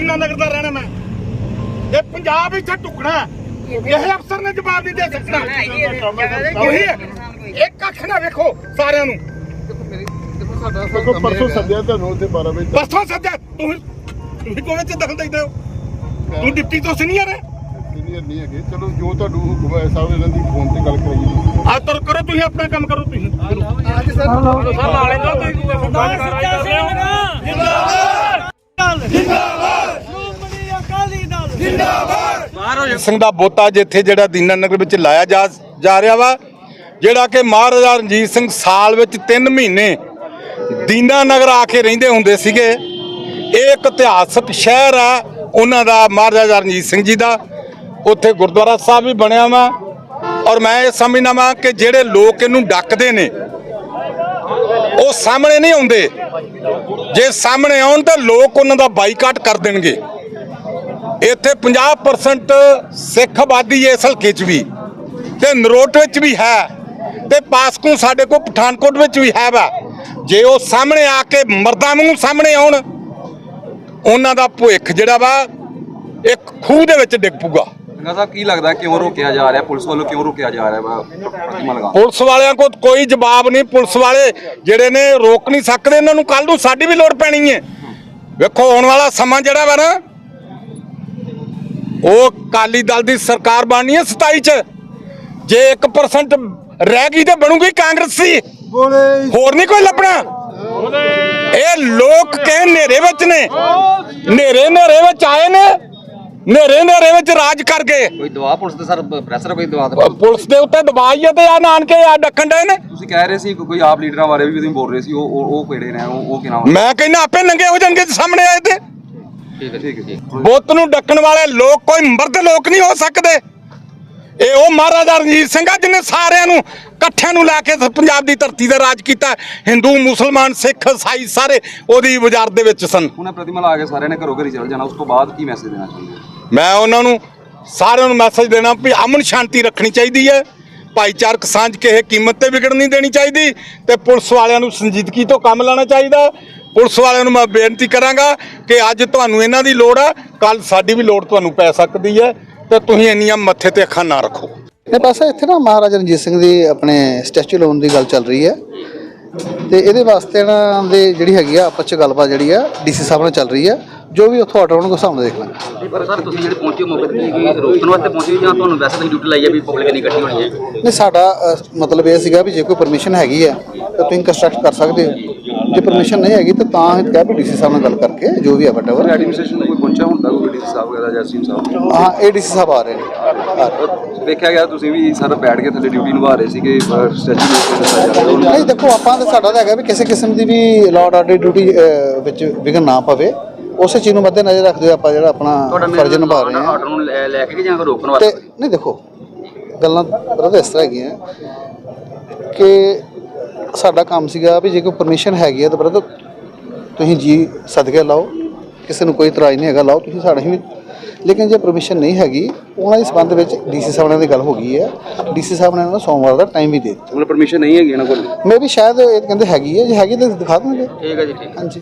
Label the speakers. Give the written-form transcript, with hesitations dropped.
Speaker 1: दीना नगर का रहना मैं ये पंजाब इत्थे टुकड़ा यह अफसर ने जवाब नहीं दे सकता एक कख ना वेखो सारे
Speaker 2: परसों सद्या ਤੁਹਾਨੂੰ ਤੇ 12 ਵਜੇ
Speaker 1: परसों सद्या ਤੁਸੀਂ ਕੋਵੇਂ ਚ ਦਖਲ ਦੇਦੇ ਹੋ ਤੂੰ ਡਿਪਟੀ ਤੋਂ ਸੀਨੀਅਰ ਹੈ
Speaker 2: ਸੀਨੀਅਰ ਨਹੀਂ ਹੈਗੇ ਚਲੋ ਜੋ ਤੁਹਾਨੂੰ ਹੁਕਮ ਹੈ ਸਾਹਿਬ ਇਹਨਾਂ ਦੀ ਫੋਨ ਤੇ ਗੱਲ ਕਰਾਈਏ
Speaker 1: ਆ ਤੁਰ ਕਰੋ ਤੁਸੀਂ ਆਪਣਾ ਕੰਮ ਕਰੋ ਤੁਸੀਂ
Speaker 3: ਅੱਜ ਸਰ ਨਾਲੇ ਤੋਂ ਤੁਸੀਂ ਜਿੰਦਾਬਾਦ ਸ਼੍ਰੋਮਣੀ ਅਕਾਲੀ ਦਲ ਜਿੰਦਾਬਾਦ
Speaker 1: ਸਿੰਘ ਦਾ ਬੋਤਾ ਜਿੱਥੇ ਜਿਹੜਾ ਦੀਨਾ ਨਗਰ ਵਿੱਚ ਲਾਇਆ ਜਾ ਰਿਹਾ ਵਾ ਜਿਹੜਾ ਕਿ ਮਹਾਰਾਜਾ ਰਣਜੀਤ ਸਿੰਘ ਸਾਲ ਵਿੱਚ 3 ਮਹੀਨੇ ਦੀਨਾ ਨਗਰ ਆ ਕੇ ਰਹਿੰਦੇ ਹੁੰਦੇ ਸੀਗੇ। ਇਹ ਇੱਕ ਇਤਿਹਾਸਕ ਸ਼ਹਿਰ ਆ ਉਹਨਾਂ ਦਾ ਮਹਾਰਾਜਾ ਰਣਜੀਤ ਸਿੰਘ ਜੀ ਦਾ। ਉੱਥੇ ਗੁਰਦੁਆਰਾ ਸਾਹਿਬ ਵੀ ਬਣਿਆ ਵਾ ਔਰ ਮੈਂ ਇਹ ਸਮਝਦਾ ਵਾਂ ਕਿ ਜਿਹੜੇ ਲੋਕ ਇਹਨੂੰ ਡੱਕਦੇ ਨੇ ਉਹ ਸਾਹਮਣੇ ਨਹੀਂ ਆਉਂਦੇ। ਜੇ ਸਾਹਮਣੇ ਆਉਣ ਤਾਂ ਲੋਕ ਉਹਨਾਂ ਦਾ ਬਾਈਕਾਟ ਕਰ ਦੇਣਗੇ। ਇੱਥੇ 50% ਸਿੱਖ ਆਬਾਦੀ ਇਸ ਹਲਕੇ 'ਚ ਵੀ ਤੇ ਨਰੋਟ ਵਿੱਚ ਵੀ ਹੈ ਤੇ ਪਾਸਕੂ ਸਾਡੇ ਕੋਲ ਪਠਾਨਕੋਟ ਵਿੱਚ ਵੀ ਹੈ ਵਾ। ਜੇ ਉਹ ਸਾਹਮਣੇ ਆ ਕੇ ਮਰਦਾਂ ਵਾਂਗੂ ਸਾਹਮਣੇ ਆਉਣ ਉਹਨਾਂ ਦਾ ਭਵਿੱਖ ਜਿਹੜਾ ਵਾ ਇੱਕ ਖੂਹ ਦੇ ਵਿੱਚ ਡਿੱਗ ਪੂਗਾ।
Speaker 4: ਸਾਹਿਬ ਕੀ ਲੱਗਦਾ ਕਿਉਂ ਰੋਕਿਆ ਜਾ ਰਿਹਾ ਪੁਲਿਸ ਵੱਲੋਂ ਕਿਉਂ ਰੋਕਿਆ ਜਾ ਰਿਹਾ ਪ੍ਰਤਿਮਾ ਲਗਾ
Speaker 1: ਪੁਲਿਸ ਵਾਲਿਆਂ ਕੋਲ ਕੋਈ ਜਵਾਬ ਨਹੀਂ। ਪੁਲਿਸ ਵਾਲੇ ਜਿਹੜੇ ਨੇ ਰੋਕ ਨਹੀਂ ਸਕਦੇ ਇਹਨਾਂ ਨੂੰ। ਕੱਲ ਨੂੰ ਸਾਡੀ ਵੀ ਲੋੜ ਪੈਣੀ ਹੈ। ਵੇਖੋ ਆਉਣ ਵਾਲਾ ਸਮਾਂ ਜਿਹੜਾ ਵਾ ਨਾ ਉਹ ਅਕਾਲੀ ਦਲ ਦੀ ਸਰਕਾਰ ਬਣਨੀ ਹੈ 27 ਚ। ਜੇ 1% ਰਹਿ ਗਈ ਤਾਂ ਬਣੂਗੀ ਕਾਂਗਰਸੀ ਹੋਰ ਨਹੀਂ ਕੋਈ ਲੱਭਣਾ। ਇਹ ਲੋਕ ਕਹੇ ਹਨੇਰੇ ਵਿੱਚ ਨੇ ਹਨੇਰੇ ਵਿੱਚ ਆਏ ਨੇ ਹਨੇਰੇ ਵਿੱਚ ਰਾਜ ਕਰ ਗਏ।
Speaker 4: ਕੋਈ ਦਵਾ ਪੁਲਿਸ ਤੇ ਸਰ ਪ੍ਰੈਸ਼ਰ ਕੋਈ ਦਵਾ
Speaker 1: ਪੁਲਿਸ ਦੇ ਉੱਤੇ ਦਬਾਈ ਹੈ ਤੇ ਆ ਨਾਨਕੇ ਆ ਡੱਕਣ ਡਏ ਨੇ।
Speaker 4: ਤੁਸੀਂ ਕਹਿ ਰਹੇ ਸੀ ਕੋਈ ਆਪ ਲੀਡਰਾਂ ਬਾਰੇ ਵੀ ਤੁਸੀਂ ਬੋਲ ਰਹੇ ਸੀ ਉਹ ਕਿਹੜੇ ਨੇ ਉਹ ਕੀ ਨਾਮ
Speaker 1: ਮੈਂ ਕਹਿੰਦਾ ਆਪੇ ਨੰਗੇ ਹੋ ਜਾਣਗੇ ਸਾਹਮਣੇ ਆਏ ਤੇ।
Speaker 4: ਠੀਕ ਹੈ
Speaker 1: ਬੁੱਤ ਨੂੰ ਡੱਕਣ ਵਾਲੇ ਲੋਕ ਕੋਈ ਮਰਦ ਲੋਕ ਨਹੀਂ ਹੋ ਸਕਦੇ। ਇਹ ਉਹ ਮਹਾਰਾਜਾ ਰਣਜੀਤ ਸਿੰਘ ਆ ਜਿਹਨੇ ਸਾਰਿਆਂ ਨੂੰ ਇਕੱਠਿਆਂ ਨੂੰ ਲੈ ਕੇ ਪੰਜਾਬ ਦੀ ਧਰਤੀ ਤੇ ਰਾਜ ਕੀਤਾ। ਹਿੰਦੂ ਮੁਸਲਮਾਨ ਸਿੱਖ ਈਸਾਈ ਸਾਰੇ ਉਹਦੀ ਵਜ਼ਾਰਤ ਦੇ ਵਿੱਚ ਸਨ।
Speaker 4: ਹੁਣ ਪ੍ਰਤਿਮਾ ਲਾ ਕੇ ਸਾਰਿਆਂ ਨੇ ਘਰੋਂ ਘਰੀ ਚੱਲ ਜਾਣਾ। ਉਸ ਤੋਂ ਬਾਅਦ ਕੀ ਮੈਸੇਜ ਦੇਣਾ ਚਾਹੁੰਦੇ?
Speaker 1: ਮੈਂ ਉਹਨਾਂ ਨੂੰ ਸਾਰਿਆਂ ਨੂੰ ਮੈਸੇਜ ਦੇਣਾ ਵੀ ਅਮਨ ਸ਼ਾਂਤੀ ਰੱਖਣੀ ਚਾਹੀਦੀ ਹੈ। ਭਾਈਚਾਰਕ ਸਾਂਝ ਕਿਸੇ ਕੀਮਤ ਤੇ ਵਿਗੜ ਨਹੀਂ ਦੇਣੀ ਚਾਹੀਦੀ ਤੇ ਪੁਲਿਸ ਵਾਲਿਆਂ ਨੂੰ ਸੰਜੀਦਗੀ ਤੋਂ ਕੰਮ ਲੈਣਾ ਚਾਹੀਦਾ। ਪੁਲਿਸ ਵਾਲਿਆਂ ਨੂੰ ਮੈਂ ਬੇਨਤੀ ਕਰਾਂਗਾ ਕਿ ਅੱਜ ਤੁਹਾਨੂੰ ਇਹਨਾਂ ਦੀ ਲੋੜ ਆ ਕੱਲ ਸਾਡੀ ਵੀ ਲੋੜ ਤੁਹਾਨੂੰ ਪੈ ਸਕਦੀ ਹੈ ਤੇ ਤੁਸੀਂ ਇੰਨੀਆਂ ਮੱਥੇ ਤੇ ਅੱਖਾਂ ਨਾ ਰੱਖੋ।
Speaker 5: ਇਹ ਪਾਸੇ ਇੱਥੇ ਨਾ ਮਹਾਰਾਜਾ ਰਣਜੀਤ ਸਿੰਘ ਦੀ ਆਪਣੇ ਸਟੈਚੂ ਲਾਉਣ ਦੀ ਗੱਲ ਚੱਲ ਰਹੀ ਹੈ ਤੇ ਇਹਦੇ ਵਾਸਤੇ ਇਹਨਾਂ ਦੇ ਜਿਹੜੀ ਹੈਗੀ ਆ ਆਪਸ 'ਚ ਗੱਲਬਾਤ ਜਿਹੜੀ ਆ ਡੀਸੀ ਸਾਹਿਬ ਨਾਲ ਚੱਲ ਰਹੀ ਹੈ। ਜੋ ਵੀ ਉੱਥੋਂ ਆਰਡਰ ਆਉਣਗੇ ਸਾਹਮਣੇ ਦੇਖ ਲਾਂਗੇ।
Speaker 4: ਪਰ ਸਰ ਤੁਸੀਂ ਜਿਹੜੇ ਪਹੁੰਚੇ ਮੌਕੇ ਤੇ ਕੀ ਰੋਕਣ ਵਾਸਤੇ ਪਹੁੰਚੇ ਜਾਂ ਤੁਹਾਨੂੰ ਵੈਸੇ ਤੁਸੀਂ ਡਿਊਟੀ ਲਾਈ ਹੈ ਵੀ ਪਬਲਿਕ ਨਹੀਂ ਇਕੱਠੀ ਹੋਣੀ ਹੈ?
Speaker 5: ਨਹੀਂ ਸਾਡਾ ਮਤਲਬ ਇਹ ਸੀਗਾ ਵੀ ਜੇ ਕੋਈ ਪਰਮਿਸ਼ਨ ਹੈਗੀ ਆ ਤਾਂ ਤੁਸੀਂ ਕੰਸਟਰਕਟ ਕਰ ਸਕਦੇ ਹੋ। ਜੇ ਪਰਮਿਸ਼ਨ ਨਹੀਂ ਹੈਗੀ ਤਾਂ ਅਸੀਂ ਕਿਹਾ ਵੀ ਡੀਸੀ ਸਾਹਿਬ ਨਾਲ ਗੱਲ ਕਰਕੇ ਜੋ ਵੀ ਆ ਵਟਐਵਰ
Speaker 4: ਐਡਮਿਨਿਸਟ੍ਰੇਸ਼ਨ ਨੂੰ ਕੋਈ ਪਹੁੰਚਿਆ ਹੁੰਦਾ ਕੋਈ ਡੀਸੀ ਸਾਹਿਬ ਵਗੈਰਾ ਜਾਂ ਸੀਐਮ ਸਾਹਿਬ?
Speaker 5: ਹਾਂ ਇਹ ਡੀਸੀ ਸਾਹਿਬ ਆ ਰਹੇ ਨੇ।
Speaker 4: ਦੇਖਿਆ ਗਿਆ ਤੁਸੀਂ ਵੀ ਸਰ ਬੈਠ ਕੇ ਥੱਲੇ ਡਿਊਟੀ ਨਿਭਾ ਰਹੇ ਸੀਗੇ ਸਟੈਚੂ
Speaker 5: ਨਹੀਂ ਦੇਖੋ ਆਪਾਂ ਤਾਂ ਸਾਡਾ ਤਾਂ ਹੈਗਾ ਵੀ ਕਿਸੇ ਕਿਸਮ ਦੀ ਵੀ ਲਾਅ ਆਰਡਰ ਡਿਊਟੀ ਵਿੱਚ ਵਿਘਨ ਨਾ ਪਵੇ। ਉਸੇ ਚੀਜ਼ ਨੂੰ ਮੱਦੇ ਨਜ਼ਰ ਰੱਖਦੇ ਹੋਏ ਆਪਾਂ ਜਿਹੜਾ ਆਪਣਾ ਫਰਜ਼ ਨਿਭਾ ਰਹੇ ਹਾਂ।
Speaker 4: ਆਰਡਰ ਨੂੰ ਲੈ ਕੇ ਜਾਂ ਰੋਕਣ ਵਾਸਤੇ
Speaker 5: ਤੇ ਨਹੀਂ ਦੇਖੋ ਗੱਲਾਂ ਬਰਦਰ ਇਸ ਤਰ੍ਹਾਂ ਹੈਗੀਆਂ ਕਿ ਸਾਡਾ ਕੰਮ ਸੀਗਾ ਵੀ ਜੇ ਕੋਈ ਪਰਮਿਸ਼ਨ ਹੈਗੀ ਹੈ ਤਾਂ ਬਰਦਰ ਤੁਸੀਂ ਜੀ ਸਦਕੇ ਲਾਓ। ਕਿਸੇ ਨੂੰ ਕੋਈ ਇਤਰਾਜ਼ ਨਹੀਂ ਹੈਗਾ ਲਾਓ ਤੁਸੀਂ ਸਾਡੇ ਵੀ। ਲੇਕਿਨ ਜੇ ਪਰਮਿਸ਼ਨ ਨਹੀਂ ਹੈਗੀ ਉਹਨਾਂ ਦੇ ਸੰਬੰਧ ਵਿੱਚ ਡੀਸੀ ਸਾਹਿਬ ਨਾਲ ਦੀ ਗੱਲ ਹੋ ਗਈ ਹੈ। ਡੀਸੀ ਸਾਹਿਬ ਨੇ ਇਹਨਾਂ ਨੂੰ ਸੋਮਵਾਰ ਦਾ ਟਾਈਮ ਵੀ ਦੇ ਦਿੱਤਾ।
Speaker 4: ਮਤਲਬ ਪਰਮਿਸ਼ਨ ਨਹੀਂ ਹੈਗੀ ਇਹਨਾਂ ਕੋਲ?
Speaker 5: ਮੈਂ ਵੀ ਸ਼ਾਇਦ ਇਹ ਕਹਿੰਦੇ ਹੈਗੀ ਹੈ। ਜੇ ਹੈਗੀ ਤਾਂ ਦਿਖਾ ਦੇਣਗੇ।
Speaker 4: ਠੀਕ ਹੈ ਜੀ ਠੀਕ।
Speaker 5: ਹਾਂਜੀ।